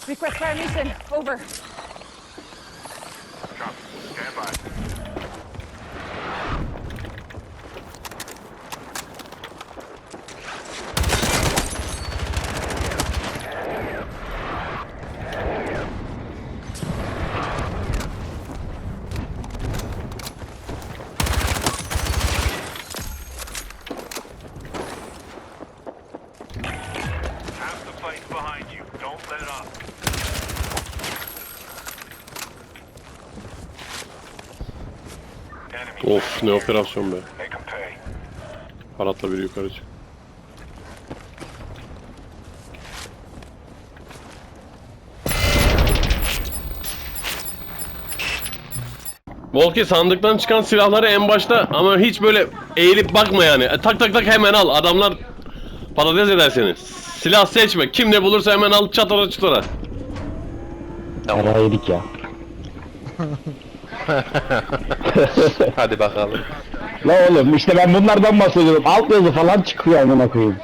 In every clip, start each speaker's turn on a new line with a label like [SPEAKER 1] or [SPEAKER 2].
[SPEAKER 1] Request fire mission. Over.
[SPEAKER 2] Copy. Stand by. Half the fight's behind you. Don't let it up. Enemy.
[SPEAKER 3] Of ne operasyon be.
[SPEAKER 2] Make 'em pay.
[SPEAKER 3] Haratla biri yukarı çık. Volki sandıktan çıkan silahları en başta ama hiç böyle eğilip bakma yani. Tak tak tak hemen al. Adamlar patates eder seni. Silah seçme. Kim ne bulursa hemen al çatara çutara.
[SPEAKER 4] Para yedik ya.
[SPEAKER 5] Hadi bakalım.
[SPEAKER 4] La oğlum işte ben bunlardan bahsediyorum. Alt yazı falan çıkıyor amına koyayım.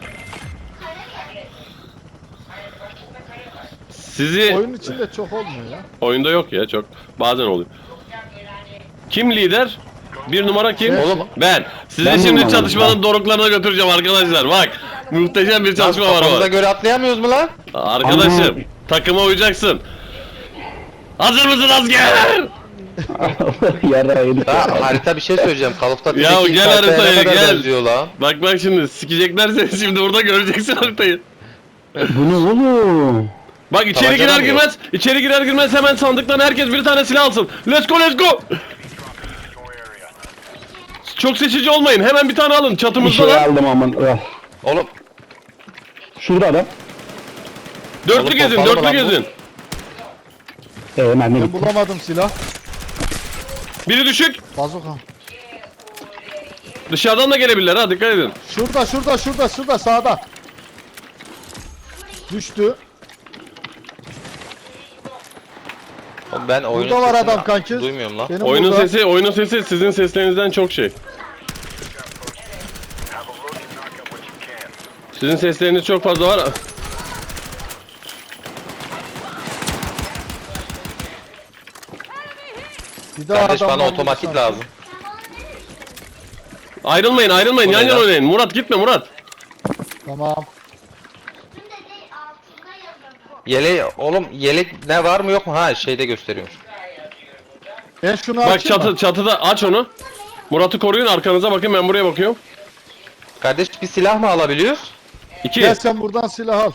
[SPEAKER 3] Sizi
[SPEAKER 6] Oyun içinde çok olmuyor ya.
[SPEAKER 3] oyunda yok ya çok. Bazen oluyor. Kim lider? Bir numara kim?
[SPEAKER 6] Şey-
[SPEAKER 3] Oğlum ben. Sizi
[SPEAKER 4] Ben
[SPEAKER 3] şimdi
[SPEAKER 4] numaram,
[SPEAKER 3] çatışmanın doruklarına götüreceğim arkadaşlar. Bak. Muhteşem bir çalışma var
[SPEAKER 5] Kafamıza
[SPEAKER 3] orada.
[SPEAKER 5] göre atlayamıyoruz mu lan?
[SPEAKER 3] Arkadaşım takıma uyacaksın. Hazır mısın asker?
[SPEAKER 4] Yara yedik
[SPEAKER 5] Ha,
[SPEAKER 4] ya.
[SPEAKER 5] harita bir şey söyleyeceğim. Call of Duty'deki
[SPEAKER 3] Ya
[SPEAKER 5] ilk
[SPEAKER 3] gel
[SPEAKER 5] haritaya
[SPEAKER 3] haritaya,
[SPEAKER 5] ne kadar
[SPEAKER 3] gel.
[SPEAKER 5] benziyor lan?
[SPEAKER 3] Bak şimdi sikecekler seni şimdi burada göreceksin haritayı.
[SPEAKER 4] Bu ne oğlum?
[SPEAKER 3] Bak içeri
[SPEAKER 5] Tabanca
[SPEAKER 3] girer
[SPEAKER 5] da mı yok?
[SPEAKER 3] girmez, içeri girer girmez hemen sandıktan herkes bir tane silah alsın. Let's go let's go.
[SPEAKER 2] Your area.
[SPEAKER 3] Çok seçici olmayın. Hemen bir tane alın.
[SPEAKER 4] Bir
[SPEAKER 3] Çatımızda
[SPEAKER 4] şey
[SPEAKER 3] lan.
[SPEAKER 4] aldım aman.
[SPEAKER 5] Oğlum
[SPEAKER 4] Şurada adam.
[SPEAKER 3] Dörtlü
[SPEAKER 5] Oğlum,
[SPEAKER 3] gezin,
[SPEAKER 5] pompalı mı
[SPEAKER 3] dörtlü
[SPEAKER 5] lan bu?
[SPEAKER 3] gezin.
[SPEAKER 4] Ben de
[SPEAKER 6] Ben
[SPEAKER 4] gittim.
[SPEAKER 6] bulamadım silah.
[SPEAKER 3] Biri düşük.
[SPEAKER 6] Bazuka.
[SPEAKER 3] Dışarıdan da gelebilirler ha dikkat edin.
[SPEAKER 6] Şurada sağda. Düştü.
[SPEAKER 5] oğlum ben oyunun
[SPEAKER 6] Burada var
[SPEAKER 5] sesini
[SPEAKER 6] adam kanki.
[SPEAKER 5] duymuyorum lan.
[SPEAKER 6] Benim
[SPEAKER 3] Oyunun
[SPEAKER 6] burada.
[SPEAKER 3] sesi sizin seslerinizden çok şey.
[SPEAKER 2] Have a look and knock out what you can.
[SPEAKER 3] Sizin sesleriniz çok fazla var.
[SPEAKER 6] Bir daha
[SPEAKER 5] Kardeş
[SPEAKER 6] adam
[SPEAKER 5] bana
[SPEAKER 6] var
[SPEAKER 5] otomatik
[SPEAKER 6] burada.
[SPEAKER 5] lazım.
[SPEAKER 3] Ayrılmayın
[SPEAKER 5] Bu
[SPEAKER 3] yan
[SPEAKER 5] ne
[SPEAKER 3] yana
[SPEAKER 5] lan?
[SPEAKER 3] oynayın. Murat gitme Murat.
[SPEAKER 6] Tamam.
[SPEAKER 5] Oğlum yelek ne var mı yok mu? Ha şeyde gösteriyormuş.
[SPEAKER 6] Ben şunu
[SPEAKER 3] Bak
[SPEAKER 6] açayım mı?
[SPEAKER 3] çatıda aç onu. Murat'ı koruyun arkanıza bakın ben buraya bakıyorum.
[SPEAKER 5] Kardeş bir silah mı alabiliyoruz?
[SPEAKER 6] Gel
[SPEAKER 3] 2
[SPEAKER 6] sen buradan silah al.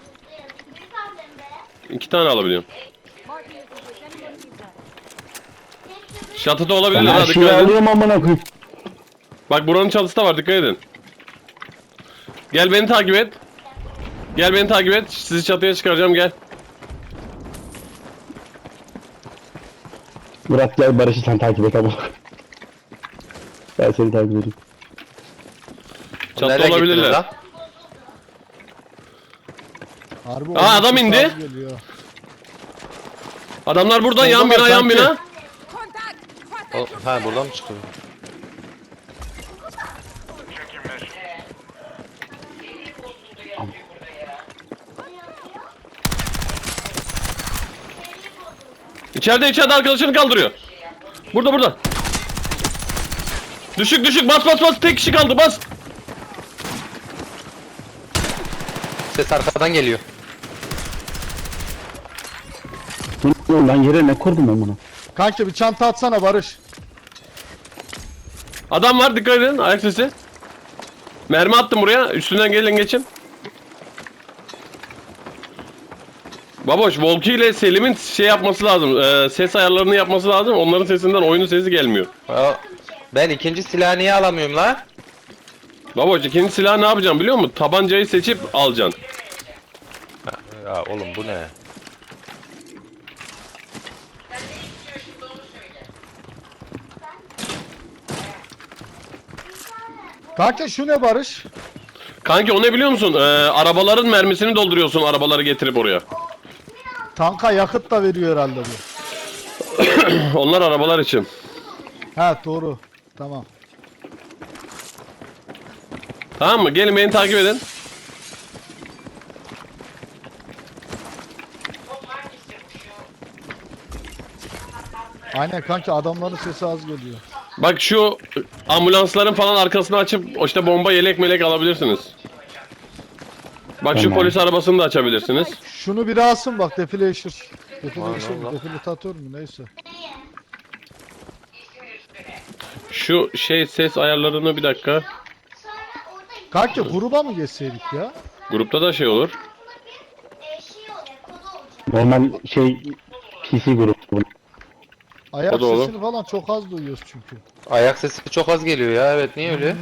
[SPEAKER 3] 2 tane alabiliyorum. Çatıda olabilirler
[SPEAKER 4] Ben
[SPEAKER 3] ha
[SPEAKER 4] her şeyi
[SPEAKER 3] dikkat edin.
[SPEAKER 4] alıyorum amına koyayım.
[SPEAKER 3] Bak buranın çatısı da var dikkat edin. Gel beni takip et. Gel beni takip et. Sizi çatıya çıkaracağım gel.
[SPEAKER 4] Murat gel Barış'ı sen takip et ama. Ben seni takip edeyim.
[SPEAKER 3] Çatıda
[SPEAKER 5] Nereye gittiniz
[SPEAKER 3] olabilirler.
[SPEAKER 5] lan?
[SPEAKER 6] Harbi
[SPEAKER 3] Aa, adam
[SPEAKER 6] oyun
[SPEAKER 3] indi.
[SPEAKER 6] sesi geliyor.
[SPEAKER 3] Adamlar burada yan
[SPEAKER 6] Orada
[SPEAKER 3] bina
[SPEAKER 6] var
[SPEAKER 3] yan
[SPEAKER 6] sanki.
[SPEAKER 3] bina.
[SPEAKER 5] Ha buradan mı çıkıyor?
[SPEAKER 2] Check your mission.
[SPEAKER 3] İçeride arkadaşını kaldırıyor. Burada. Düşük bas tek kişi kaldı bas.
[SPEAKER 5] Ses arkadan geliyor.
[SPEAKER 4] Bu ne oğlum lan yere ne kurdum ben bunu?
[SPEAKER 6] Kanki bir çanta atsana Barış.
[SPEAKER 3] Adam var dikkat edin ayak sesi. Mermi attım buraya üstünden gelin geçin. Baboş Volki ile Selim'in şey yapması lazım. Ses ayarlarını yapması lazım. Onların sesinden oyunun sesi gelmiyor.
[SPEAKER 5] Ha, ben ikinci silahı niye alamıyorum lan?
[SPEAKER 3] Baboş ikinci silah ne yapacağım biliyor musun? Tabancayı seçip alacaksın.
[SPEAKER 5] Ya oğlum bu ne?
[SPEAKER 6] Kanki şu ne Barış?
[SPEAKER 3] Kanki o ne biliyor musun? Arabaların mermisini dolduruyorsun arabaları getirip oraya.
[SPEAKER 6] Tanka yakıt da veriyor herhalde bu.
[SPEAKER 3] Onlar arabalar için.
[SPEAKER 6] Ha doğru. Tamam.
[SPEAKER 3] Tamam mı? Gelin beni takip edin.
[SPEAKER 6] Aynen kanki adamların sesi az geliyor.
[SPEAKER 3] Bak şu ambulansların falan arkasını açıp işte bomba yelek melek alabilirsiniz. Bak şu
[SPEAKER 4] Tamam.
[SPEAKER 3] polis arabasını da açabilirsiniz.
[SPEAKER 6] Şunu biri alsın bak defileşir. Defileşir
[SPEAKER 5] Allah.
[SPEAKER 6] mi? Defilatör mü neyse.
[SPEAKER 3] Şu şey ses ayarlarını bir dakika.
[SPEAKER 6] Kanki gruba mı geçseydik ya?
[SPEAKER 3] Grupta da şey olur.
[SPEAKER 4] Normal şey PC grubu.
[SPEAKER 6] Ayak
[SPEAKER 3] O da olur.
[SPEAKER 6] sesini falan çok az duyuyoruz çünkü.
[SPEAKER 5] Ayak sesi çok az geliyor ya, evet, niye öyle?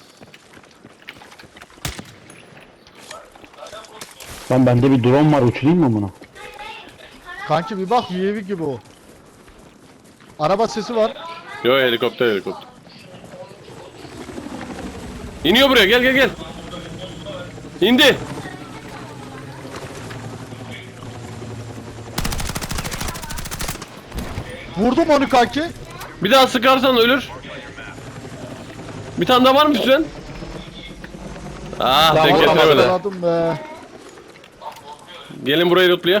[SPEAKER 4] Lan bende bir drone var, uçurayım mı bunu?
[SPEAKER 6] Kanki bir bak UAV gibi o. Araba sesi var.
[SPEAKER 3] Yo, helikopter helikopter. İniyor buraya, gel gel gel. İndi.
[SPEAKER 6] Vurdum onu kanki.
[SPEAKER 3] Bir daha sıkarsan ölür. Bir tane daha var mı üstünden? Ah,
[SPEAKER 5] Daha
[SPEAKER 3] tek
[SPEAKER 5] var,
[SPEAKER 3] getiremedi.
[SPEAKER 6] Yakaladım be.
[SPEAKER 3] Gelin burayı lootlayak.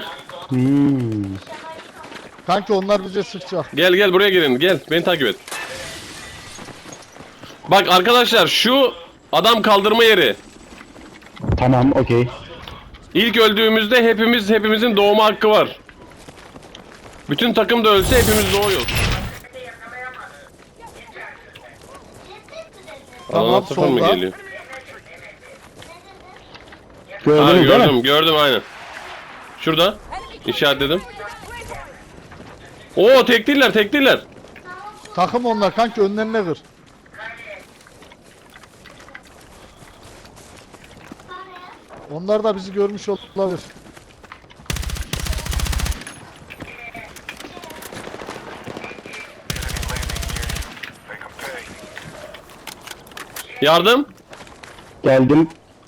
[SPEAKER 6] Kanki onlar bize sıkacak.
[SPEAKER 3] Gel gel buraya gelin, gel beni takip et. Bak arkadaşlar, şu adam kaldırma yeri.
[SPEAKER 4] Tamam, okey.
[SPEAKER 3] İlk öldüğümüzde hepimizin doğma hakkı var. Bütün takım da ölse hepimiz doğuyoruz.
[SPEAKER 6] Tamam,
[SPEAKER 3] Alana sıfır mı
[SPEAKER 6] solda.
[SPEAKER 3] geliyor? Ha,
[SPEAKER 4] Gördünüz değil mi?
[SPEAKER 3] gördüm aynen. Şurada işaretledim. Oo, tek değiller.
[SPEAKER 6] Takım onlar kanki önlerine kır. Onlar da bizi görmüş olabilir.
[SPEAKER 2] Make them pay.
[SPEAKER 3] Yardım.
[SPEAKER 4] Geldim.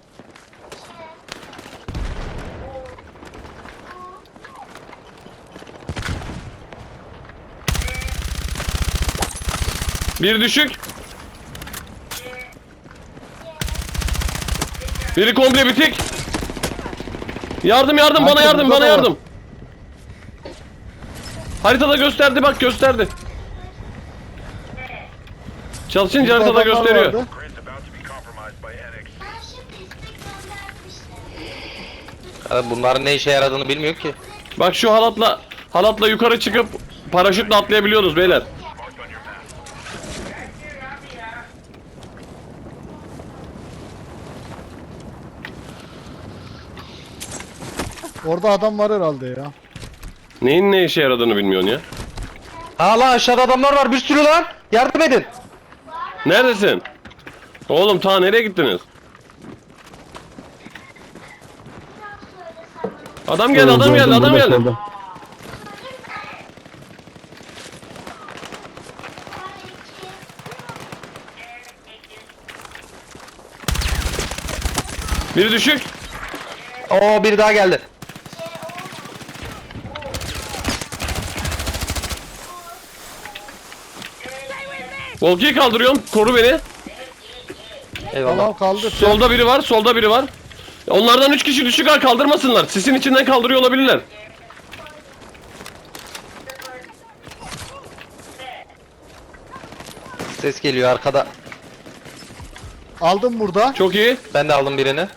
[SPEAKER 3] Bir düşük. Biri komple bitik. Yardım
[SPEAKER 6] Kanka,
[SPEAKER 3] bana yardım
[SPEAKER 6] burada
[SPEAKER 3] bana
[SPEAKER 6] da var.
[SPEAKER 3] yardım. Haritada gösterdi, bak gösterdi. Çalışınca
[SPEAKER 6] Burada
[SPEAKER 3] haritada
[SPEAKER 6] adamlar
[SPEAKER 3] gösteriyor.
[SPEAKER 6] vardı.
[SPEAKER 2] Grid's about to be compromised by NXT.
[SPEAKER 5] Ya bunların ne işe yaradığını bilmiyor ki.
[SPEAKER 3] Bak şu halatla yukarı çıkıp paraşütle atlayabiliyoruz beyler.
[SPEAKER 2] Marked on your map.
[SPEAKER 6] Orada adam var herhalde ya.
[SPEAKER 3] Neyin ne işe yaradığını bilmiyorsun ya.
[SPEAKER 5] Ha lan, aşağıda adamlar var bir sürü lan. Yardım edin.
[SPEAKER 3] Neredesin? Oğlum ta nereye gittiniz? Adam geldi, adam geldi,
[SPEAKER 4] Gördüm,
[SPEAKER 3] adam
[SPEAKER 4] burada,
[SPEAKER 3] geldi.
[SPEAKER 4] solda.
[SPEAKER 3] Biri düşük.
[SPEAKER 5] Oo, biri daha geldi.
[SPEAKER 3] Volki'yi kaldırıyorum. Koru beni.
[SPEAKER 5] Eyvallah.
[SPEAKER 6] Tamam kaldı.
[SPEAKER 3] Solda biri var. Onlardan 3 kişi düşük, ha, kaldırmasınlar. Sisin içinden kaldırıyor olabilirler.
[SPEAKER 5] Ses geliyor arkada.
[SPEAKER 6] Aldım burada.
[SPEAKER 3] Çok iyi.
[SPEAKER 5] Ben de aldım birini.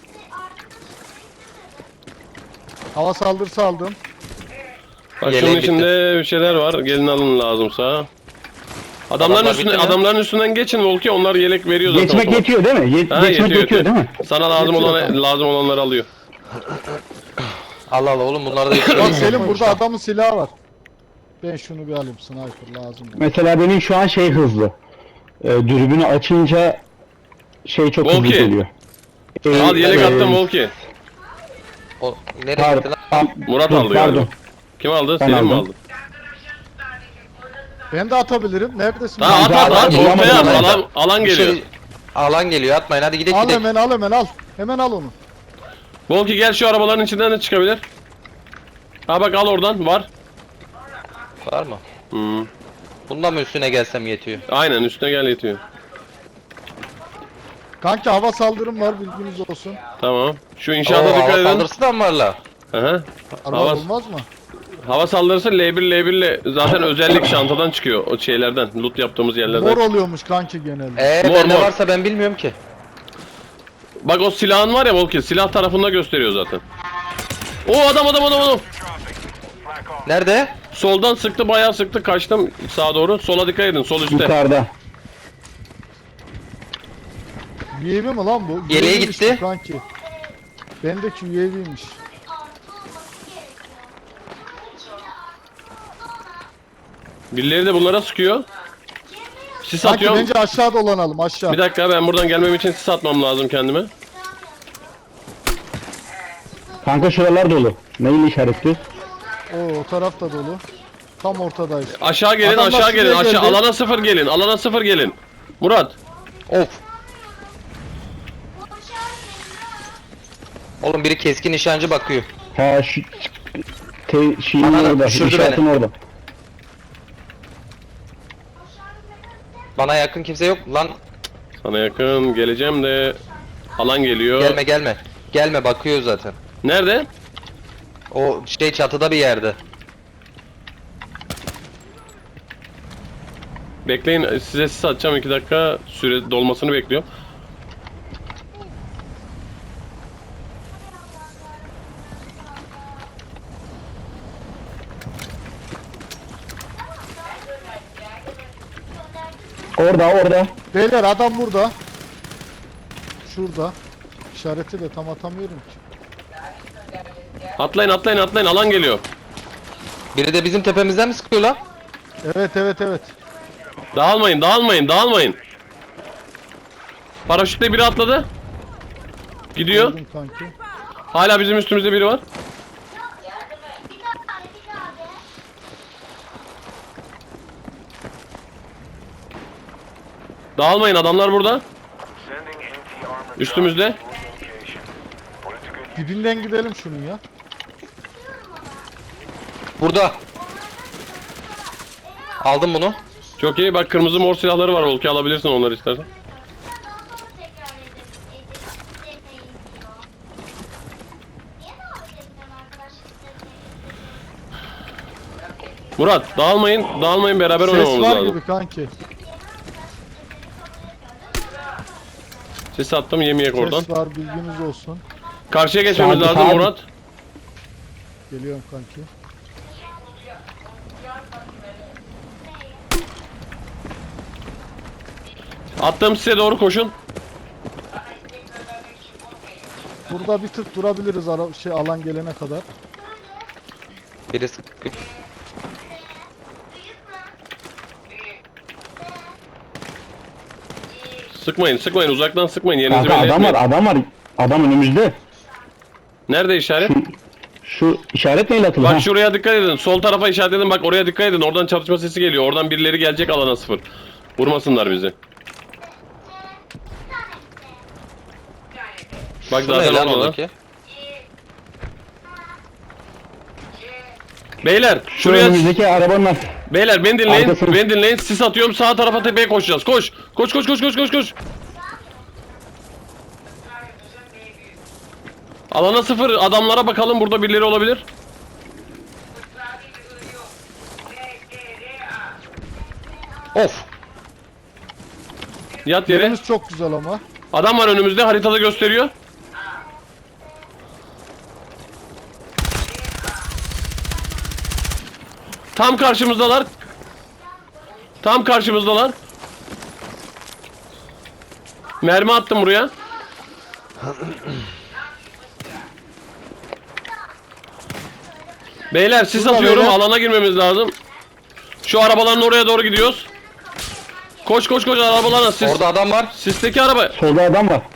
[SPEAKER 6] Hava saldırısı aldım.
[SPEAKER 3] Bak
[SPEAKER 5] Yeleğim
[SPEAKER 3] şunun
[SPEAKER 5] bitti.
[SPEAKER 3] içinde bir şeyler var. Gelin alın lazımsa.
[SPEAKER 5] Adamlar bitti mi?
[SPEAKER 3] Adamların üstünden geçin Volki. Onlar yelek veriyor zaten.
[SPEAKER 4] Geçmek
[SPEAKER 3] otomatik.
[SPEAKER 4] yetiyor değil mi?
[SPEAKER 3] Ha,
[SPEAKER 4] Geçmek yetiyor değil mi?
[SPEAKER 3] Sana lazım
[SPEAKER 6] Yetiyor, tamam.
[SPEAKER 3] lazım olanları alıyor.
[SPEAKER 5] Allah Allah oğlum, bunlar da
[SPEAKER 6] Bak Selim burada adamın silahı var. Ben şunu bir alayım, sniper lazım.
[SPEAKER 4] Mesela benim şu an şey hızlı. Dürbünü açınca şey çok hızlı
[SPEAKER 3] Volki.
[SPEAKER 4] geliyor.
[SPEAKER 3] Al yelek attım Volki.
[SPEAKER 5] O, nereye gitti lan?
[SPEAKER 3] Murat
[SPEAKER 4] Dur,
[SPEAKER 3] aldı
[SPEAKER 4] pardon.
[SPEAKER 3] galiba. Kim aldı?
[SPEAKER 4] Ben
[SPEAKER 3] Selim mi
[SPEAKER 4] aldım.
[SPEAKER 3] aldı?
[SPEAKER 6] Ben de atabilirim. Neredesin?
[SPEAKER 3] Ha, at
[SPEAKER 4] daha
[SPEAKER 3] at.
[SPEAKER 4] bulamadım
[SPEAKER 3] Ortaya at.
[SPEAKER 4] ben.
[SPEAKER 3] Alan geliyor.
[SPEAKER 5] Şey, alan geliyor, atmayın hadi gidelim
[SPEAKER 6] Al
[SPEAKER 5] gidelim.
[SPEAKER 6] hemen al. Hemen al onu.
[SPEAKER 3] Volki gel, şu arabaların içinden de çıkabilir. Ha bak, al oradan, var.
[SPEAKER 5] Var mı?
[SPEAKER 3] Hmm.
[SPEAKER 5] Bundan mı üstüne gelsem yetiyor?
[SPEAKER 3] Aynen, üstüne gel yetiyor.
[SPEAKER 6] Kanki hava saldırım var, bilginiz olsun.
[SPEAKER 3] Tamam. Şu
[SPEAKER 5] Oo,
[SPEAKER 3] inşaata dikkat
[SPEAKER 5] hava
[SPEAKER 3] edin.
[SPEAKER 5] saldırısı da mı var la?
[SPEAKER 3] Aha.
[SPEAKER 6] Araba
[SPEAKER 3] Hava,
[SPEAKER 6] olmaz mı?
[SPEAKER 3] Hava saldırısı L1 ile zaten özellik çantadan çıkıyor o şeylerden, loot yaptığımız yerlerden.
[SPEAKER 6] Mor oluyormuş kanki genelde.
[SPEAKER 3] Mor,
[SPEAKER 5] Bende
[SPEAKER 3] mor.
[SPEAKER 5] varsa ben bilmiyorum ki.
[SPEAKER 3] Bak o silahın var ya Volki, silah tarafında gösteriyor zaten. O adam.
[SPEAKER 2] Dropping. Flak off.
[SPEAKER 5] Nerede?
[SPEAKER 3] Soldan sıktı, bayağı sıktı, kaçtım sağa doğru. Sola dikkat edin, sol üstte.
[SPEAKER 4] Yukarıda.
[SPEAKER 6] UAV mi lan bu?
[SPEAKER 5] Yeleğe
[SPEAKER 6] UAV'ymiş
[SPEAKER 5] gitti.
[SPEAKER 6] bu kanki. Bendeki UAV'ymiş.
[SPEAKER 3] Birileri de bunlara sıkıyor. Sis
[SPEAKER 6] Kanki
[SPEAKER 3] atıyorum.
[SPEAKER 6] bence aşağı dolanalım aşağı.
[SPEAKER 3] Bir dakika, ben buradan gelmem için sis atmam lazım kendime.
[SPEAKER 4] Kanka şuralar dolu. Neyle işaretli?
[SPEAKER 6] Oo, o taraf da dolu. Tam ortadayız.
[SPEAKER 3] Aşağı gelin,
[SPEAKER 6] Adamlar
[SPEAKER 3] aşağı gelin,
[SPEAKER 6] şuraya
[SPEAKER 3] aşağı.
[SPEAKER 6] geldi.
[SPEAKER 3] Alana 0 gelin, alana 0 gelin. Murat.
[SPEAKER 5] Of. Oğlum biri keskin nişancı bakıyor.
[SPEAKER 4] Ha şu şeyin
[SPEAKER 5] Anladım,
[SPEAKER 4] orada.
[SPEAKER 5] düşürdü
[SPEAKER 4] İşaretin
[SPEAKER 5] beni.
[SPEAKER 4] orada.
[SPEAKER 5] Bana yakın kimse yok lan.
[SPEAKER 3] Sana yakın geleceğim de alan geliyor.
[SPEAKER 5] Gelme gelme. Gelme bakıyor zaten.
[SPEAKER 3] Nerede?
[SPEAKER 5] O şey çatıda bir yerde.
[SPEAKER 3] Bekleyin, size sis atacağım, 2 dakika süre dolmasını bekliyorum.
[SPEAKER 4] Orada.
[SPEAKER 6] Beyler adam burada. Şurada. İşareti de tam atamıyorum ki.
[SPEAKER 3] Atlayın, alan geliyor.
[SPEAKER 5] Biri de bizim tepemizden mi sıkıyor lan?
[SPEAKER 6] Evet.
[SPEAKER 3] Dağılmayın. Paraşütle biri atladı. Gidiyor.
[SPEAKER 6] Gördüm kanki.
[SPEAKER 3] Hala bizim üstümüzde biri var. Dağılmayın, adamlar burada.
[SPEAKER 2] Sending anti-armor
[SPEAKER 3] Üstümüzde.
[SPEAKER 2] location. Point to good
[SPEAKER 6] Dibinden gidelim şunun ya.
[SPEAKER 5] Burada. Aldım bunu.
[SPEAKER 3] Çok iyi, bak kırmızı mor silahları var, Volki alabilirsin onları istersen. Murat, dağılmayın, beraber
[SPEAKER 6] Ses
[SPEAKER 3] oynamamız
[SPEAKER 6] var
[SPEAKER 3] lazım.
[SPEAKER 6] gibi kanki.
[SPEAKER 3] Sis attım, yemeyek oradan.
[SPEAKER 6] Ses var bilginiz olsun.
[SPEAKER 3] Karşıya geçmemiz
[SPEAKER 4] Sakin,
[SPEAKER 3] lazım
[SPEAKER 4] sakin.
[SPEAKER 3] Murat.
[SPEAKER 6] Geliyorum kanki.
[SPEAKER 3] Attığım size doğru koşun.
[SPEAKER 6] Burada bir tık durabiliriz alan gelene kadar.
[SPEAKER 5] Biri sıkıyor.
[SPEAKER 3] Sıkmayın, uzaktan sıkmayın. Yerinizi
[SPEAKER 4] Kanka
[SPEAKER 3] belli
[SPEAKER 4] adam
[SPEAKER 3] etmeyin.
[SPEAKER 4] var. Adam önümüzde.
[SPEAKER 3] Nerede işaret?
[SPEAKER 4] Şu işaret neyle atıldı?
[SPEAKER 3] Bak
[SPEAKER 4] Ha?
[SPEAKER 3] şuraya dikkat edin. Sol tarafa işaret edin. Bak oraya dikkat edin. Oradan çatışma sesi geliyor. Oradan birileri gelecek alana 0. Vurmasınlar bizi. Bak
[SPEAKER 5] Şu ne
[SPEAKER 3] zaten
[SPEAKER 5] lan
[SPEAKER 3] orada.
[SPEAKER 5] oradaki?
[SPEAKER 3] Beyler
[SPEAKER 4] Şu
[SPEAKER 3] şuraya...
[SPEAKER 4] önümüzdeki arabanın ar-
[SPEAKER 3] Beyler beni dinleyin.
[SPEAKER 4] Arkasını-
[SPEAKER 3] Beni dinleyin. Sis atıyorum. Sağ tarafa tepeye koşacağız. Koş. Koş. Alana 0. Adamlara bakalım. Burada birileri olabilir.
[SPEAKER 5] Of.
[SPEAKER 3] Yat yere.
[SPEAKER 6] Yerimiz çok güzel ama.
[SPEAKER 3] Adam var önümüzde. Haritada gösteriyor. Tam karşımızdalar. Mermi attım buraya. Beyler sis
[SPEAKER 6] Burada
[SPEAKER 3] atıyorum.
[SPEAKER 6] beyler.
[SPEAKER 3] Alana girmemiz lazım. Şu arabaların oraya doğru gidiyoruz. Koş arabalarına sis.
[SPEAKER 5] Orada adam var.
[SPEAKER 3] Sisteki araba.
[SPEAKER 4] solda adam var.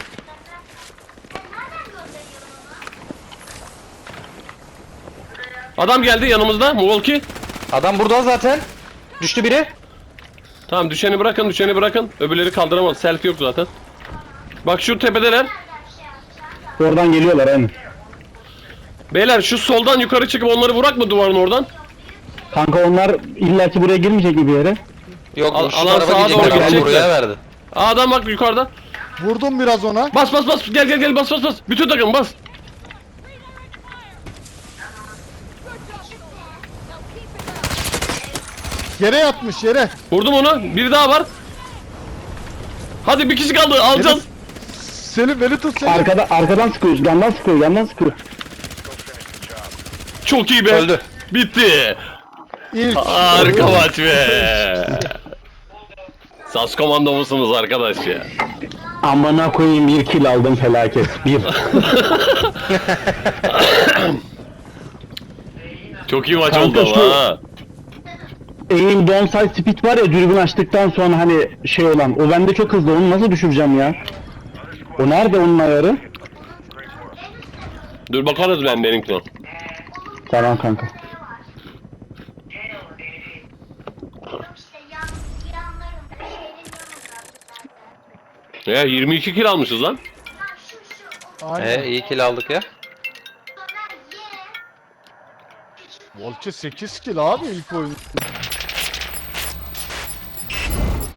[SPEAKER 3] Adam geldi yanımızda. Volki.
[SPEAKER 5] Adam burada zaten. Düştü biri.
[SPEAKER 3] Tamam düşeni bırakın. Öbürleri kaldıramaz. Selfie yok zaten. Bak şu tepedeler.
[SPEAKER 4] Oradan geliyorlar aynen.
[SPEAKER 3] Beyler şu soldan yukarı çıkıp onları vurak mı duvarın oradan?
[SPEAKER 4] Kanka onlar illaki buraya girmeyecek mi bir yere?
[SPEAKER 5] Yok şu
[SPEAKER 3] alan
[SPEAKER 5] tarafa
[SPEAKER 3] sağa
[SPEAKER 5] gidecekler.
[SPEAKER 3] doğru
[SPEAKER 5] Adam
[SPEAKER 3] gidecekler.
[SPEAKER 5] buraya verdi.
[SPEAKER 3] Aa, adam bak yukarıda.
[SPEAKER 6] Vurdum biraz ona.
[SPEAKER 3] Bas gel bas. Bütün takım bas.
[SPEAKER 6] Yere yatmış yere.
[SPEAKER 3] Vurdum onu. Bir daha var. Hadi bir kişi kaldı. Alacağız.
[SPEAKER 6] Selim beni tut Selim.
[SPEAKER 4] Arkadan sıkıyor, yandan sıkıyor, yandan sıkıyor.
[SPEAKER 3] Çok iyi be.
[SPEAKER 5] Öldü.
[SPEAKER 3] Bitti.
[SPEAKER 6] İlk.
[SPEAKER 3] Harika maç be. Sas komando musunuz arkadaş ya?
[SPEAKER 4] Amına koyayım, 1 kill aldım, felaket. 1.
[SPEAKER 3] Çok iyi maç
[SPEAKER 4] Kanka
[SPEAKER 3] oldu
[SPEAKER 4] şu-
[SPEAKER 3] ama ha.
[SPEAKER 4] Aim downside speed var ya, dürbün açtıktan sonra hani şey olan, o bende çok hızlı, onu nasıl düşüreceğim ya? O nerede onun ayarı?
[SPEAKER 3] Dur bakarız ben benimkine.
[SPEAKER 4] Tamam kanka.
[SPEAKER 3] Ya 22 kill almışız lan.
[SPEAKER 6] Aynen.
[SPEAKER 5] İyi kill aldık ya.
[SPEAKER 6] Volke 8 kill abi ilk oyun.